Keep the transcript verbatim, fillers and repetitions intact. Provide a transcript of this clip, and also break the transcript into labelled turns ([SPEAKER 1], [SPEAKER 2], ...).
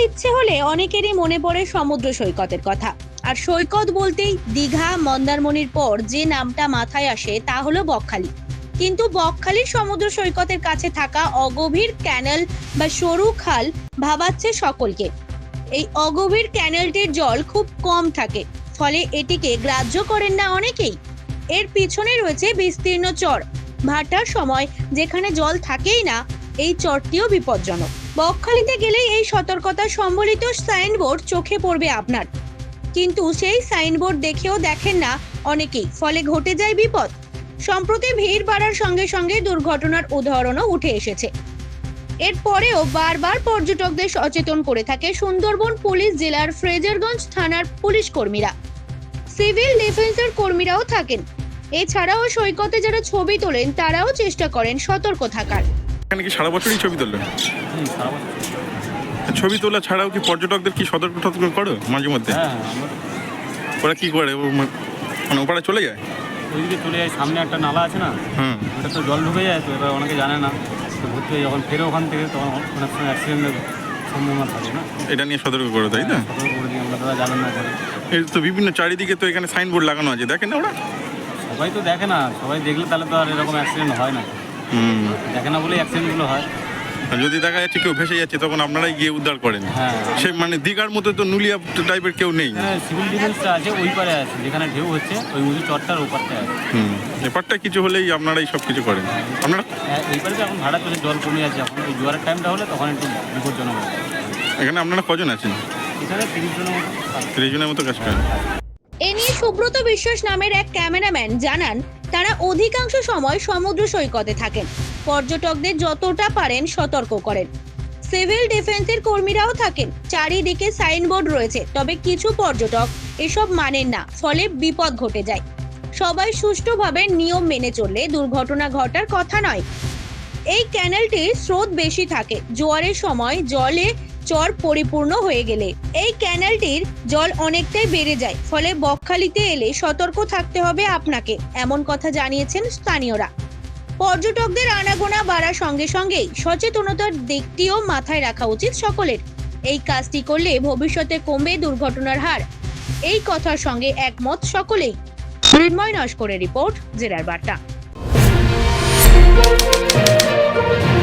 [SPEAKER 1] ইচ্ছে হলে অনেকেরই মনে পড়ে সমুদ্র সৈকতের কথা। আর সৈকত বলতেই দীঘা মন্দারমণির পর যে নামটা মাথায় আসে তা হলো বকখালি। কিন্তু বকখালির সমুদ্র সৈকতের কাছে থাকা অগভীর ক্যানেল বা সরু খাল ভাবাচ্ছে সকলকে। এই অগভীর ক্যানেলটির জল খুব কম থাকে, ফলে এটিকে গ্রাহ্য করেন না অনেকেই। এর পিছনে রয়েছে বিস্তীর্ণ চর, ভাটার সময় যেখানে জল থাকেই না, এই চরটিও বিপজ্জনক। বকখালিতে গেলেই এই সতর্কতা সম্বলিত সাইনবোর্ড চোখে পড়বে আপনার, কিন্তু সেই সাইনবোর্ড দেখেও দেখেন না অনেকেই, ফলে ঘটে যায় বিপদ। সম্প্রতি ভিড় বাড়ার সঙ্গে সঙ্গে দুর্ঘটনার উদাহরণও উঠে এসেছে। এরপরেও বারবার পর্যটকদের সচেতন করে থাকে সুন্দরবন পুলিশ জেলার ফ্রেজারগঞ্জ থানার পুলিশ কর্মীরা। সিভিল ডিফেন্সের কর্মীরাও থাকেন। এছাড়াও সৈকতে যারা ছবি তোলেন তারাও চেষ্টা করেন সতর্ক থাকার।
[SPEAKER 2] এখানে কি সারা বছরই ছবি তোলেন? ছবি তোলা ছাড়াও কি পর্যটকদের কি সতর্ক সতর্ক করো মাঝে মধ্যে?
[SPEAKER 3] হ্যাঁ,
[SPEAKER 2] ওরা কি করে, মানে ওপারে চলে যায়?
[SPEAKER 3] ওইদিকে চলে যায়, সামনে একটা নালা আছে না,
[SPEAKER 2] হুম,
[SPEAKER 3] ওটা তো জল ঢুকে যায়, তো এবার অনেকে জানে না, তো ঘুরতে যখন ফেরে ওখান থেকে তখন অনেক সময় অ্যাক্সিডেন্টের সম্ভাবনা থাকে না।
[SPEAKER 2] এটা নিয়ে সতর্ক করো, তাই না?
[SPEAKER 3] সতর্ক করে দিই আমরা, তারা যাবেন না করে।
[SPEAKER 2] এই তো বিভিন্ন চারিদিকে তো এখানে সাইনবোর্ড লাগানো আছে, দেখেন না ওরা?
[SPEAKER 3] সবাই তো দেখে না, সবাই দেখলে তাহলে তো আর এরকম অ্যাক্সিডেন্ট হয় না।
[SPEAKER 2] হুম,
[SPEAKER 3] দেখে না বলেই অ্যাক্সিডেন্টগুলো হয়।
[SPEAKER 2] আর যদি দেখা যাচ্ছে কেউ ভেসে যাচ্ছে তখন আপনারাই গিয়ে উদ্ধার করেন।
[SPEAKER 3] হ্যাঁ,
[SPEAKER 2] সে মানে দীঘার মতো তো নুলিয়া টাইপের কেউ নেই।
[SPEAKER 3] হ্যাঁ, সিভিল ডিফেন্সটা আছে ওই পারে আছে, যেখানে ঢেউ হচ্ছে ওই উঁচু চরটার ওপারটা আছে।
[SPEAKER 2] হুম, ব্যাপারটা কিছু হলেই আপনারাই সব কিছু করেন। আপনারা
[SPEAKER 3] হ্যাঁ, এই পারে তো এখন ভাড়া চলে, জল কমে যাচ্ছে, এখন ওই জোয়ারের টাইমটা হলে তখন একটু বিপজ্জনক হয়।
[SPEAKER 2] এখানে আপনারা কজন আছেন?
[SPEAKER 3] এখানে তিরিশ জনের মতো।
[SPEAKER 2] ত্রিশ জনের মতো কাজ করেন।
[SPEAKER 1] এ নিয়ে সুব্রত বিশ্বাস নামের এক ক্যামেরাম্যান জানান, তারা অধিকাংশ সময় সমুদ্র সৈকতে থাকেন, পর্যটকদের যতটা পারেন সতর্ক করেন। সিভিল ডিফেন্সের কর্মীরাও থাকেন। চারিদিকে সাইনবোর্ড রয়েছে, তবে কিছু পর্যটক এসব মানেন না, ফলে বিপদ ঘটে যায়। সবাই সুষ্ঠুভাবে নিয়ম মেনে চললে দুর্ঘটনা ঘটার কথা নয়। এই ক্যানেলটির স্রোত বেশি থাকে, জোয়ারের সময় জলে চর পরিপূর্ণ হয়ে গেলে এই ক্যানেলটির জল অনেকটাই বেড়ে যায়, ফলে বকখালিতে এলে সতর্ক থাকতে হবে আপনাকে, এমন কথা জানিয়েছেন স্থানীয়রা। পর্যটকদের আনাগোনা বাড়ার সঙ্গে সঙ্গেই সচেতনতার দিকটিও মাথায় রাখা উচিত সকলের। এই কাজটি করলে ভবিষ্যতে কমবে দুর্ঘটনার হার, এই কথার সঙ্গে একমত সকলেই। মৃন্ময় নস্করের রিপোর্ট, জেলার বার্তা।